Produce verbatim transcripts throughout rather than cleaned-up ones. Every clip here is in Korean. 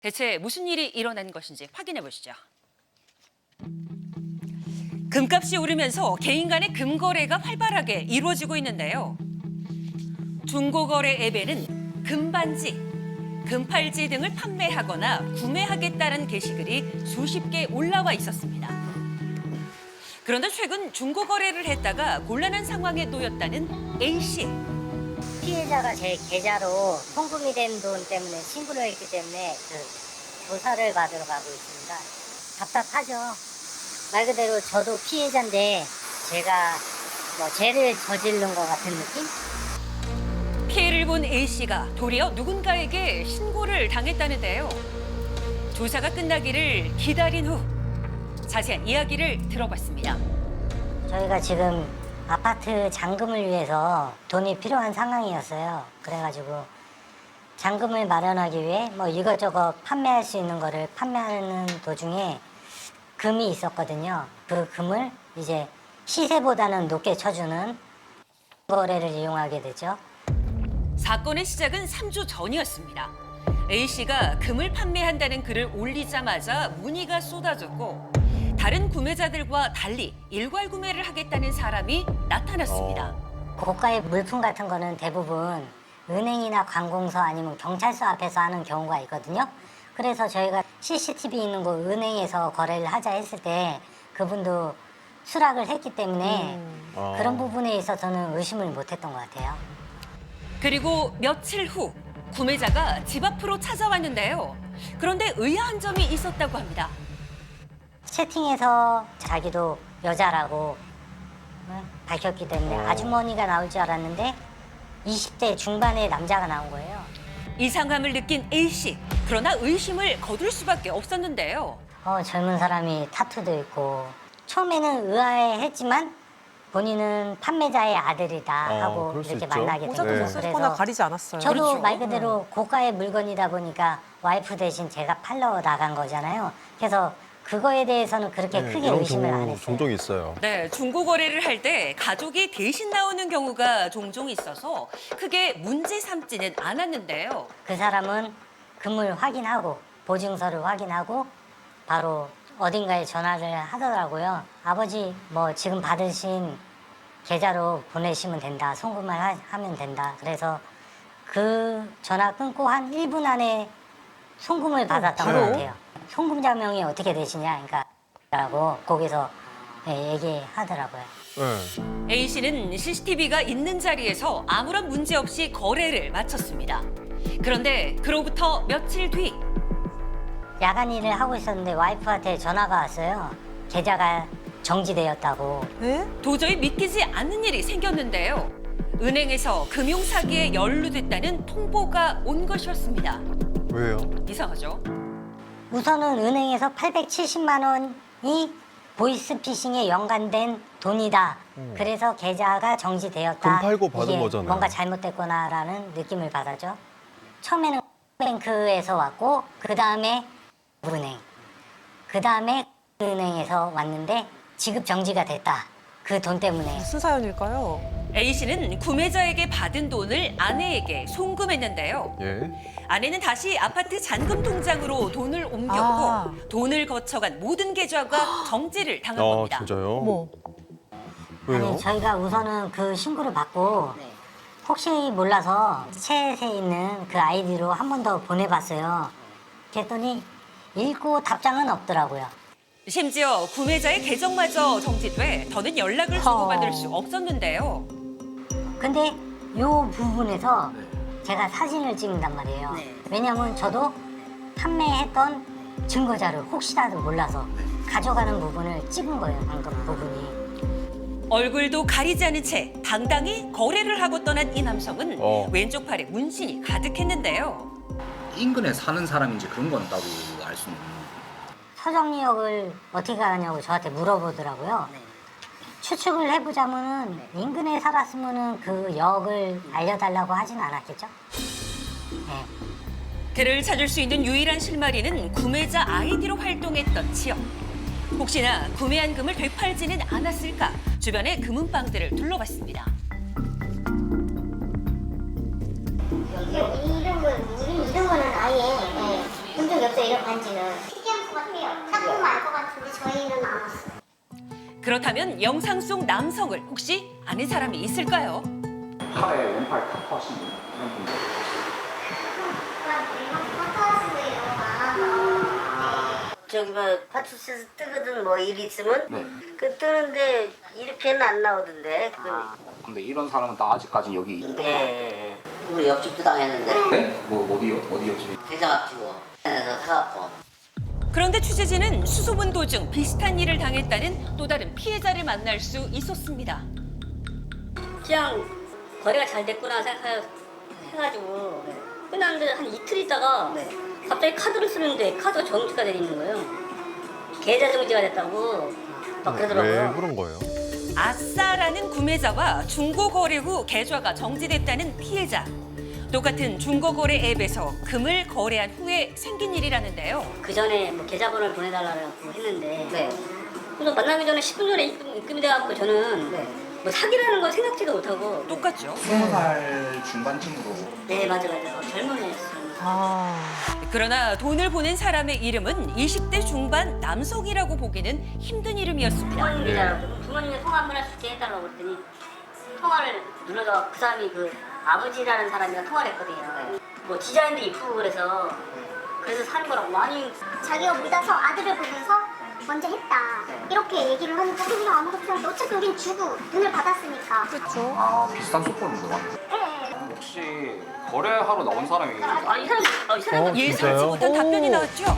대체 무슨 일이 일어난 것인지 확인해 보시죠. 금값이 오르면서 개인 간의 금거래가 활발하게 이루어지고 있는데요. 중고거래 앱에는 금반지, 금팔찌 등을 판매하거나 구매하겠다는 게시글이 수십 개 올라와 있었습니다. 그런데 최근 중고거래를 했다가 곤란한 상황에 놓였다는 A씨. 피해자가 제 계좌로 송금이 된 돈 때문에 신고를 했기 때문에 그 조사를 받으러 가고 있습니다. 답답하죠. 말 그대로 저도 피해자인데 제가 뭐 죄를 저지른 것 같은 느낌? 피해를 본 A씨가 도리어 누군가에게 신고를 당했다는데요. 조사가 끝나기를 기다린 후 자세한 이야기를 들어봤습니다. 저희가 지금 아파트 잔금을 위해서 돈이 필요한 상황이었어요. 그래가지고 잔금을 마련하기 위해 뭐 이것저것 판매할 수 있는 거를 판매하는 도중에 금이 있었거든요. 그 금을 이제 시세보다는 높게 쳐주는 거래를 이용하게 되죠. 사건의 시작은 삼 주 전이었습니다. A씨가 금을 판매한다는 글을 올리자마자 문의가 쏟아졌고 다른 구매자들과 달리 일괄 구매를 하겠다는 사람이 나타났습니다. 고가의 물품 같은 거는 대부분 은행이나 관공서 아니면 경찰서 앞에서 하는 경우가 있거든요. 그래서 저희가 씨씨티비 있는 곳 은행에서 거래를 하자 했을 때 그분도 수락을 했기 때문에 음. 아. 그런 부분에 있어서는 의심을 못했던 것 같아요. 그리고 며칠 후 구매자가 집 앞으로 찾아왔는데요. 그런데 의아한 점이 있었다고 합니다. 채팅에서 자기도 여자라고 응? 밝혔기 때문에 어. 아주머니가 나올 줄 알았는데 이십 대 중반의 남자가 나온 거예요. 이상함을 느낀 A씨. 그러나 의심을 거둘 수밖에 없었는데요. 어, 젊은 사람이 타투도 있고 처음에는 의아해했지만 본인은 판매자의 아들이다 어, 하고 그럴 수 이렇게 있죠. 만나게 모자도 됐어요. 네. 못 쓰거나 가리지 않았어요. 저도 그렇죠. 말 그대로 고가의 물건이다 보니까 와이프 대신 제가 팔러 나간 거잖아요. 그래서 그거에 대해서는 그렇게 네, 크게 이런 의심을 안 경우 했어요. 종종 있어요. 네, 중고거래를 할 때 가족이 대신 나오는 경우가 종종 있어서 크게 문제 삼지는 않았는데요. 그 사람은 금을 확인하고 보증서를 확인하고 바로 어딘가에 전화를 하더라고요. 아버지 뭐 지금 받으신 계좌로 보내시면 된다. 송금을 하, 하면 된다. 그래서 그 전화 끊고 한 일 분 안에 송금을 받았던 것 바로? 같아요. 송금자명이 어떻게 되시냐 그러니까 라고 거기서 예, 얘기하더라고요. 네. A씨는 씨씨티비가 있는 자리에서 아무런 문제 없이 거래를 마쳤습니다. 그런데 그로부터 며칠 뒤 야간 일을 하고 있었는데 와이프한테 전화가 왔어요. 계좌가 정지되었다고. 네? 도저히 믿기지 않는 일이 생겼는데요. 은행에서 금융사기에 연루됐다는 통보가 온 것이었습니다. 왜요? 이상하죠? 우선은 은행에서 팔백칠십만 원이 보이스피싱에 연관된 돈이다. 그래서 계좌가 정지되었다. 금 팔고 받은 이게 거잖아요. 뭔가 잘못됐구나라는 느낌을 받았죠. 처음에는 뱅크에서 왔고 그 다음에 은행, 그 다음에 은행에서 왔는데 지급 정지가 됐다. 그 돈 때문에. 무슨 사연일까요? A씨는 구매자에게 받은 돈을 아내에게 송금했는데요. 예. 아내는 다시 아파트 잔금 통장으로 돈을 옮겼고 아. 돈을 거쳐간 모든 계좌가 정지를 당한 아, 겁니다. 진짜요? 어머. 왜요? 아니 저희가 우선은 그 신고를 받고 혹시 몰라서 챗에 있는 그 아이디로 한 번 더 보내봤어요. 그랬더니 읽고 답장은 없더라고요. 심지어 구매자의 계정마저 정지돼 더는 연락을 주고받을 수 없었는데요. 근데 요 부분에서 제가 사진을 찍는단 말이에요. 왜냐면 저도 판매했던 증거자를 혹시라도 몰라서 가져가는 부분을 찍은 거예요. 방금 부분이. 얼굴도 가리지 않은 채 당당히 거래를 하고 떠난 이 남성은 어. 왼쪽 팔에 문신이 가득했는데요. 인근에 사는 사람인지 그런 건 따로 알 수는 없는. 서정리역을 어떻게 가냐고 저한테 물어보더라고요. 추측을 해보자면은 인근에 살았으면은 그 역을 알려달라고 하진 않았겠죠? 네. 그를 찾을 수 있는 유일한 실마리는 구매자 아이디로 활동했던 지역. 혹시나 구매한 금을 되팔지는 않았을까 주변의 금은방들을 둘러봤습니다. 이런 건 우리 이런 거는 아예 예, 본적 적이 없어요, 이런 반지는. 특이한 것 같아요. 딱 보면 알 것 같은데 저희는 안 왔어요. 그렇다면 영상 속 남성을 혹시 아는 사람이 있을까요? 팔에 왼팔 타투 하신 분 이런 분들. 저기 뭐 파출소에서 뜨거든 뭐 일 있으면 네. 그 뜨는데 이렇게는 안 나오던데. 아, 근데 이런 사람은 나 아직까지 여기. 네. 우리 옆집도 당했는데 네? 뭐 어디요? 어디 옆집이? 대장 앞치고 에서 사갖고. 그런데 취재진은 수소문 도중 비슷한 일을 당했다는 또 다른 피해자를 만날 수 있었습니다. 그냥 거래가 잘 됐구나 생각해가지고 끝났는데 한 이틀 있다가 갑자기 카드를 쓰는데 카드가 정지가 돼 있는 거예요. 계좌 정지가 됐다고 막 왜 그러더라고요. 그런 거예요? 아싸라는 구매자와 중고거래 후 계좌가 정지됐다는 피해자. 똑같은 중고거래 앱에서 금을 거래한 후에 생긴 일이라는데요. 그 전에 뭐 계좌번호를 보내달라고 했는데 그래서 만나기 전에 십 분 전에 입금, 입금이 돼갖고 저는 뭐 사기라는 걸 생각지도 못하고 똑같죠. 스무 살 중반쯤으로. 네 맞아 맞아 젊은 애였어요. 아, 그러나 돈을 보낸 사람의 이름은 이십 대 중반 남성이라고 보기는 힘든 이름이었습니다. 부모님 계좌라고 부모님이 통화 한번 할 수 있게 해달라고 그랬더니 통화를 눌러서 그 사람이 그 아버지라는 사람이랑 통화를 했거든요. 뭐 디자인도 이쁘고 그래서 그래서 사는 거라고 많이. 자기가 믿어서 아들을 보면서 먼저 했다. 이렇게 얘기를 하니까 우리가 아무것도 없는데 어차피 우린 주고 돈을 받았으니까. 그렇죠. 아 비슷한 속보를 물어봤네. 네. 혹시 거래하러 나온 사람이 아, 이 사람, 어, 이 사람 어, 예상치 진짜요? 못한 답변이 오. 나왔죠.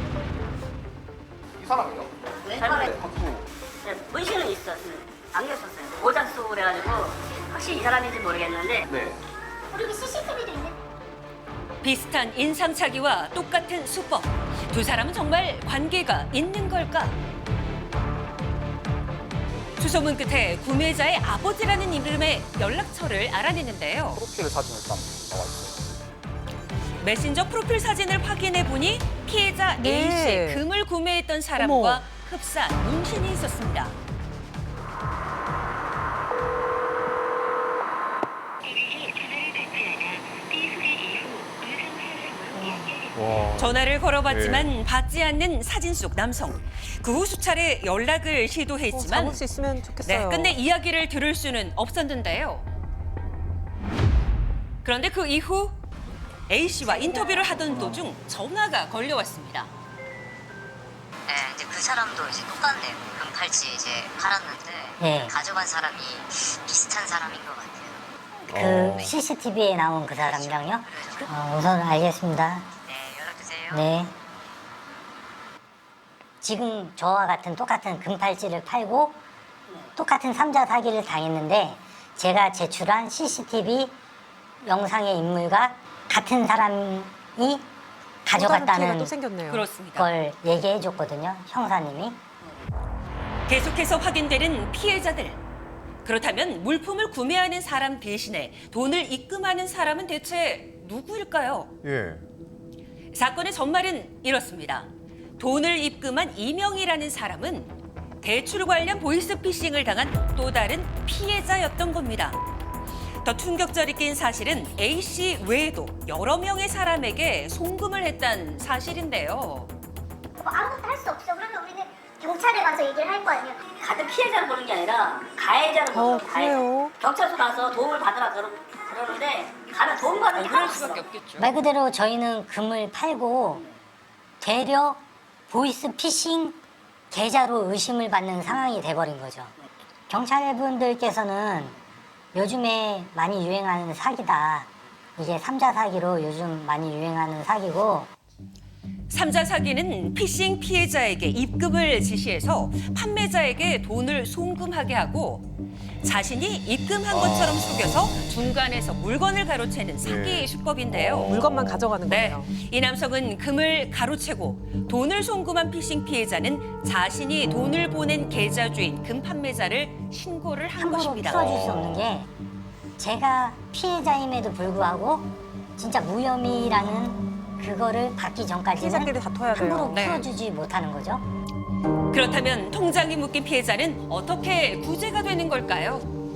이 사람이요? 잘못해. 타투. 네, 문신은 있어. 안경 썼어요. 모자 쓰고 그래가지고 확실히 이 사람인지 모르겠는데 네. 우리 씨씨티비도 있는. 비슷한 인상착의와 똑같은 수법. 두 사람은 정말 관계가 있는 걸까? 수소문 끝에 구매자의 아버지라는 이름의 연락처를 알아내는데요. 프로필 사진 일단 나와 있어요. 메신저 프로필 사진을 확인해 보니 피해자 네. A씨 금을 구매했던 사람과 어머. 흡사한 문신이 있었습니다. 와. 전화를 걸어봤지만 받지 않는 사진 속 남성. 그 후 수차례 연락을 어, 시도했지만 잡을 수 있으면 네, 좋겠어요. 끝내 이야기를 들을 수는 없었는데요. 그런데 그 이후 A씨와 인터뷰를 하던 도중 전화가 걸려왔습니다. 네, 이제 그 사람도 이제 똑같네요. 금팔찌 이제 팔았는데 네. 가져간 사람이 비슷한 사람인 것 같아요. 그 어. 씨씨티비에 나온 그 사람이랑요? 어, 우선 알겠습니다. 네, 연락 주세요. 네. 지금 저와 같은 똑같은 금팔찌를 팔고 똑같은 삼자 사기를 당했는데 제가 제출한 씨씨티비 영상의 인물과 같은 사람이 또 다른 피해가 가져갔다는 또 생겼네요. 그렇습니다. 걸 얘기해 줬거든요, 형사님이. 계속해서 확인되는 피해자들. 그렇다면 물품을 구매하는 사람 대신에 돈을 입금하는 사람은 대체 누구일까요? 예. 사건의 전말은 이렇습니다. 돈을 입금한 이명이라는 사람은 대출 관련 보이스피싱을 당한 또 다른 피해자였던 겁니다. 더 충격적인 사실은 A씨 외에도 여러 명의 사람에게 송금을 했다는 사실인데요. 뭐 아무것도 할 수 없어. 그러면 우리는 경찰에 가서 얘기를 할 거 아니에요. 같은 피해자를 보는 게 아니라 가해자를 보는 어, 거예요. 가해자. 그래요? 경찰서 가서 도움을 받으라 그러, 그러는데 가면 도움 받는 게 그럴 하나도 없어. 수밖에 없겠죠. 말 그대로 저희는 금을 팔고 되려 보이스피싱 계좌로 의심을 받는 상황이 돼버린 거죠. 경찰분들께서는 요즘에 많이 유행하는 사기다. 이게 삼자 사기로 요즘 많이 유행하는 사기고 삼자 사기는 피싱 피해자에게 입금을 지시해서 판매자에게 돈을 송금하게 하고 자신이 입금한 것처럼 속여서 중간에서 물건을 가로채는 사기 네. 수법인데요. 물건만 가져가는 네, 거예요. 이 남성은 금을 가로채고 돈을 송금한 피싱 피해자는 자신이 돈을 보낸 계좌 주인 금 판매자를 신고를 한 함부로 것입니다. 풀어줄 수 없는 게 제가 피해자임에도 불구하고 진짜 무혐의라는 그거를 받기 전까지는 피해자끼리 다퉈야 돼요. 함부로 네. 풀어주지 못하는 거죠. 그렇다면 통장이 묶인 피해자는 어떻게 구제가 되는 걸까요?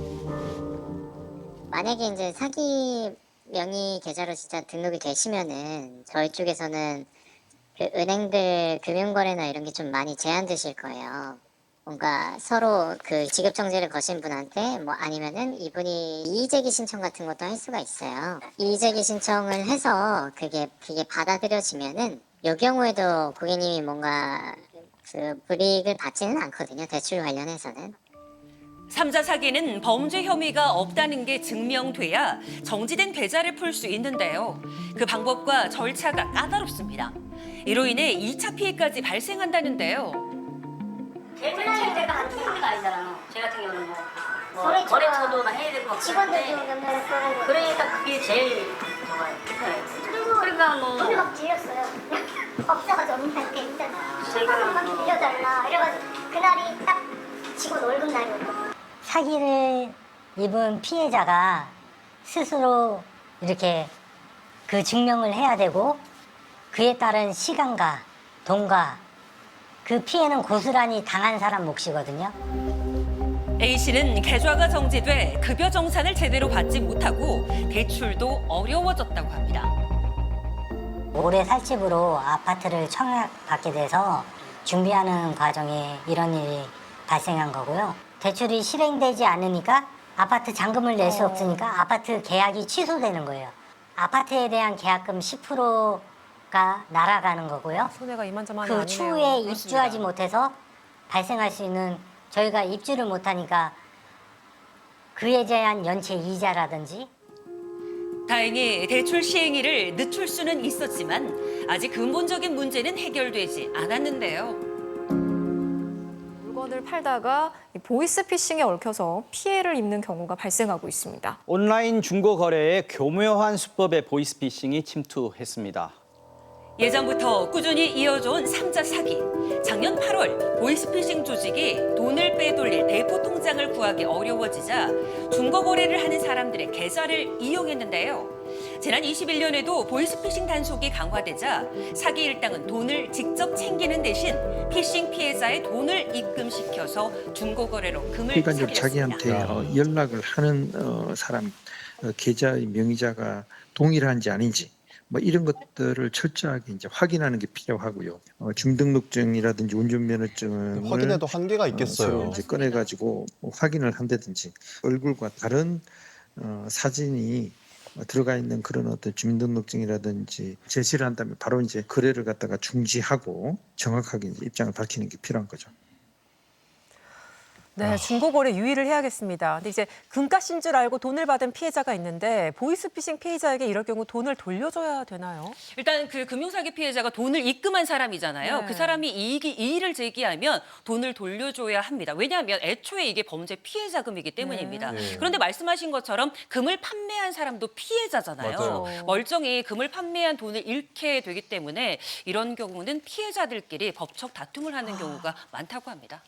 만약에 이제 사기 명의 계좌로 진짜 등록이 되시면은 저희 쪽에서는 그 은행들 금융거래나 이런 게 좀 많이 제한되실 거예요. 뭔가 서로 그 지급정지를 거신 분한테 뭐 아니면은 이분이 이의제기 신청 같은 것도 할 수가 있어요. 이의제기 신청을 해서 그게 그게 받아들여지면은 이 경우에도 고객님이 뭔가 그 불이익을 받지는 않거든요. 대출 관련해서는. 삼자 사기는 범죄 혐의가 없다는 게 증명돼야 정지된 계좌를 풀 수 있는데요. 그 방법과 절차가 까다롭습니다. 이로 인해 이 차 피해까지 발생한다는데요. 계좌이체가 한 통지가 아니잖아요. 제 같은 경우는 뭐, 뭐 거래처가 거래처도 막 해야 되고 막 직원들도 그런데 몇 명 쓰는 거. 그러니까 그게 제일 저거예요. 불편해요. 그래서 그러니까 뭐 돈을 막 질렸어요. 업자가 전문한테 일단 제가 천만 원 빌려달라 이래가지고 그날이 딱 직원 월급 날이었거든요. 사기를 입은 피해자가 스스로 이렇게 그 증명을 해야 되고 그에 따른 시간과 돈과 그 피해는 고스란히 당한 사람 몫이거든요. A씨는 계좌가 정지돼 급여 정산을 제대로 받지 못하고 대출도 어려워졌다고 합니다. 올해 살집으로 아파트를 청약받게 돼서 준비하는 과정에 이런 일이 발생한 거고요. 대출이 실행되지 않으니까 아파트 잔금을 낼 수 없으니까 아파트 계약이 취소되는 거예요. 아파트에 대한 계약금 십 퍼센트가 날아가는 거고요. 손해가 이만저만이 그 아니네요. 추후에 입주하지 못해서 발생할 수 있는 저희가 입주를 못하니까 그에 대한 연체 이자라든지 다행히 대출 시행일을 늦출 수는 있었지만 아직 근본적인 문제는 해결되지 않았는데요. 물건을 팔다가 이 보이스피싱에 얽혀서 피해를 입는 경우가 발생하고 있습니다. 온라인 중고 거래에 교묘한 수법의 보이스피싱이 침투했습니다. 예전부터 꾸준히 이어져온 삼자 사기. 작년 팔월 보이스피싱 조직이 돈을 빼돌릴 대포 통장을 구하기 어려워지자 중고 거래를 하는 사람들의 계좌를 이용했는데요. 지난 이십일 년에도 보이스피싱 단속이 강화되자 사기 일당은 돈을 직접 챙기는 대신 피싱 피해자의 돈을 입금시켜서 중고 거래로 금을 그러니까 이제 사들였습니다. 자기한테 어, 연락을 하는 어, 사람 어, 계좌의 명의자가 동일한지 아닌지 뭐 이런 것들을 철저하게 이제 확인하는 게 필요하고요. 어, 주민등록증이라든지 운전면허증을 확인해도 한계가 있겠어요. 어, 이제 꺼내 가지고 뭐 확인을 한다든지 얼굴과 다른 어, 사진이 들어가 있는 그런 어떤 주민등록증이라든지 제시를 한다면 바로 이제 거래를 갖다가 중지하고 정확하게 이제 입장을 밝히는 게 필요한 거죠. 네, 중고거래 유의를 해야겠습니다. 근데 이제 금값인 줄 알고 돈을 받은 피해자가 있는데 보이스피싱 피해자에게 이럴 경우 돈을 돌려줘야 되나요? 일단 그 금융사기 피해자가 돈을 입금한 사람이잖아요. 네. 그 사람이 이익이 이의를 제기하면 돈을 돌려줘야 합니다. 왜냐하면 애초에 이게 범죄 피해 자금이기 때문입니다. 네. 그런데 말씀하신 것처럼 금을 판매한 사람도 피해자잖아요. 맞아요. 멀쩡히 금을 판매한 돈을 잃게 되기 때문에 이런 경우는 피해자들끼리 법적 다툼을 하는 경우가 많다고 합니다.